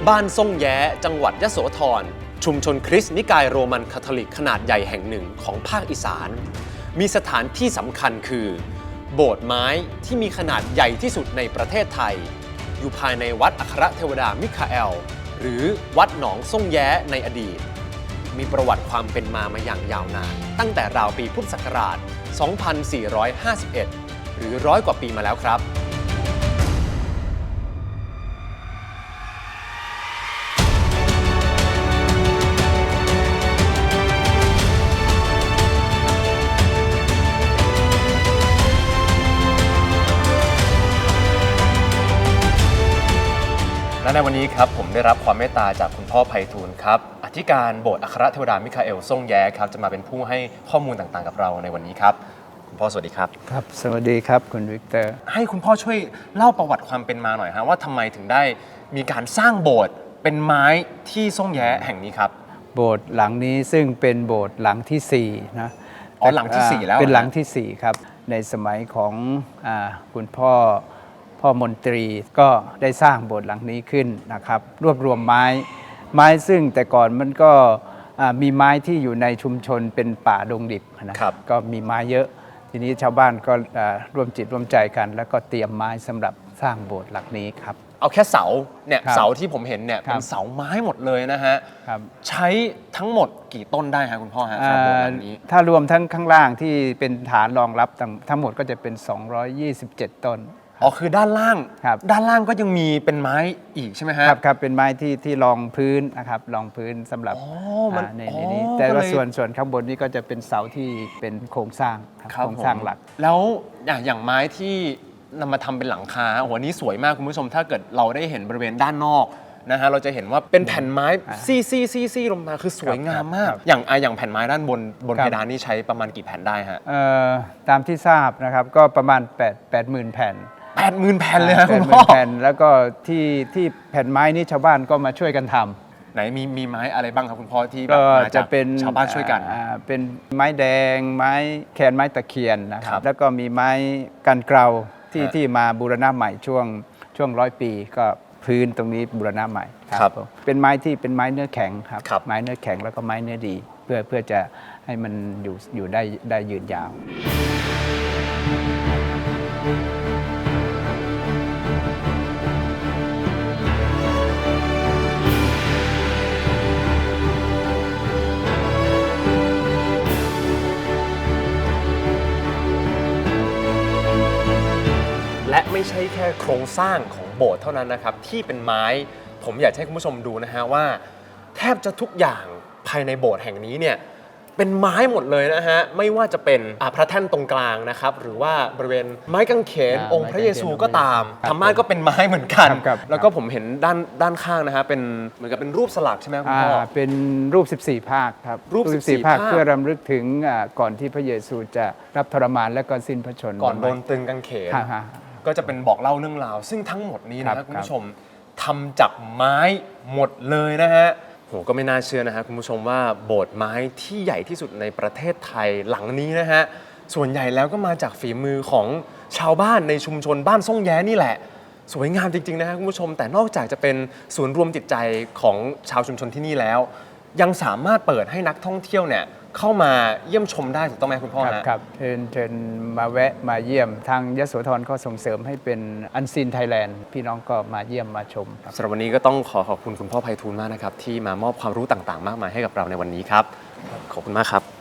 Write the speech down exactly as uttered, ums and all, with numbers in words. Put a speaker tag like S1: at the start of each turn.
S1: บ้านซ่งแย้จังหวัดยโสธรชุมชนคริสต์นิกายโรมันคาทอลิกขนาดใหญ่แห่งหนึ่งของภาคอีสานมีสถานที่สำคัญคือโบสถ์ไม้ที่มีขนาดใหญ่ที่สุดในประเทศไทยอยู่ภายในวัดอัครเทวดามิคาเอลหรือวัดหนองซ่งแย้ในอดีตมีประวัติความเป็นมามาอย่างยาวนานตั้งแต่ราวปีพุทธศักราช สองพันสี่ร้อยห้าสิบเอ็ด หรือร้อยกว่าปีมาแล้วครับและในวันนี้ครับผมได้รับความเมตตาจากคุณพ่อไพฑูรย์ครับอธิการโบสถ์อัครเทวดามิคาเอลซ่งแย้ครับจะมาเป็นผู้ให้ข้อมูลต่างๆกับเราในวันนี้ครับคุณพ่อสวัสดีครับ
S2: ครับสวัสดีครับคุณวิกเตอร์
S1: ให้คุณพ่อช่วยเล่าประวัติความเป็นมาหน่อยฮะว่าทำไมถึงได้มีการสร้างโบสถ์เป็นไม้ที่ซ่งแย้แห่งนี้ครับ
S2: โบสถ์หลังนี้ซึ่งเป็นโบสถ์หลังที่สี่นะ
S1: อ๋อหลังที่สี่แล้ว
S2: เป็นหลังที่สี่ครับในสมัยของอ่าคุณพ่อพ่อมนตรีก็ได้สร้างโบสถ์หลังนี้ขึ้นนะครับรวบรวมไม้ไม้ซึ่งแต่ก่อนมันก็มีไม้ที่อยู่ในชุมชนเป็นป่าดงดิบนะครับก็มีไม้เยอะทีนี้ชาวบ้านก็ร่วมจิตร่วมใจกันแล้วก็เตรียมไม้สำหรับสร้างโบสถ์หลังนี้ครับ
S1: เอาแค่เสาเนี่ยเสาที่ผมเห็นเนี่ยเป็นเสาไม้หมดเลยนะฮะใช้ทั้งหมดกี่ต้นได้ฮะคุณพ่อฮะโบสถ์หลังนี้
S2: ถ้ารวมทั้งข้างล่างที่เป็นฐานรองรับทั้งหมดก็จะเป็นสองร้อยยี่สิบเจ็ดต้น
S1: อ๋อคือด้านล่างด้านล่างก็ยังมีเป็นไม้อีกใช่ไหมฮะ
S2: ครับครับเป็นไม้ที่ที่รองพื้นนะครับรองพื้นสำหรับในนี้แต่ว่าส่วนส่วนข้างบนนี้ก็จะเป็นเสาที่เป็นโครงสร้างโครงสร้างหลัก
S1: แล้วอย่างไม้ที่นำมาทำเป็นหลังคาโอ้โหนี้สวยมากคุณผู้ชมถ้าเกิดเราได้เห็นบริเวณด้านนอกนะฮะเราจะเห็นว่าเป็นแผ่นไม้ซี่ซี่ซี่ซี่ลงมาคือสวยงามมากอย่างอย่างแผ่นไม้ด้านบนบนเพดานนี่ใช้ประมาณกี่แผ่นได้ฮะ
S2: ตามที่ทราบนะครับก็ประมาณ8 8 0 0 0 0 แผ่น
S1: แปดหมื่นแผ่นเลยครับคุณพ่อ
S2: แผ่นแล้วก็ที่ที่แผ่นไม้นี้ชาวบ้านก็มาช่วยกันท
S1: ำไหนมีมีไม้อะไรบ้างครับคุณพ่อที่
S2: ก็จะเป็น
S1: ชาวบ้านช่วยกัน
S2: เป็นไม้แดงไม้แคนไม้ตะเคียนนะครับแล้วก็มีไม้กันเกลาที่ที่มาบูรณะใหม่ช่วงช่วงร้อยปีก็พื้นตรงนี้บูรณะใหม่ครับเป็นไม้ที่เป็นไม้เนื้อแข็งครับไม้เนื้อแข็งแล้วก็ไม้เนื้อดีเพื่อเพื่อจะให้มันอยู่อยู่ได้ได้ยืนยาว
S1: และไม่ใช่แค่โครงสร้างของโบสถ์เท่านั้นนะครับที่เป็นไม้ผมอยากให้คุณผู้ชมดูนะฮะว่าแทบจะทุกอย่างภายในโบสถ์แห่งนี้เนี่ยเป็นไม้หมดเลยนะฮะไม่ว่าจะเป็นพระแท่นตรงกลางนะครับหรือว่าบริเวณไม้กางเขนองค์พระเยซูก็ตามธรรมาสก็เป็นไม้เหมือนกันแล้วก็ผมเห็นด้านด้านข้างนะฮะเป็นเหมือนกับเป็นรูปสลักใช่ไหมคุณพ่อ
S2: เป็นรูปสิบสี่ภาคครับ
S1: รูปสิบสี่
S2: ภาคเพื่อรำลึกถึงก่อนที่พระเยซูจะรับทรมานและก็สิ้นพระชนม์
S1: ก่อนโดนตรึงกางเขนก็จะเป็นบอกเล่าเรื่องราวซึ่งทั้งหมดนี้นะครับคุณผู้ชมทำจากไม้หมดเลยนะฮะโหก็ไม่น่าเชื่อนะฮะคุณผู้ชมว่าโบสถ์ไม้ที่ใหญ่ที่สุดในประเทศไทยหลังนี้นะฮะส่วนใหญ่แล้วก็มาจากฝีมือของชาวบ้านในชุมชนบ้านซ่งแย้นี่แหละสวยงามจริงๆนะฮะคุณผู้ชมแต่นอกจากจะเป็นศูนย์รวมจิตใจของชาวชุมชนที่นี่แล้วยังสามารถเปิดให้นักท่องเที่ยวเนี่ยเข้ามาเยี่ยมชมได้ถูกต้องไหมคุณพ่อ
S2: ครับครับเชิญเชิญมาแวะมาเยี่ยมทางยโสธรก็ส่งเสริมให้เป็นอันซีนไทยแลนด์พี่น้องก็มาเยี่ยมมาชม
S1: สำหรับวันนี้ก็ต้องขอขอบคุณคุณพ่อไพฑูรย์มากนะครับที่มามอบความรู้ต่างๆมากมายให้กับเราในวันนี้ครับขอบคุณมากครับ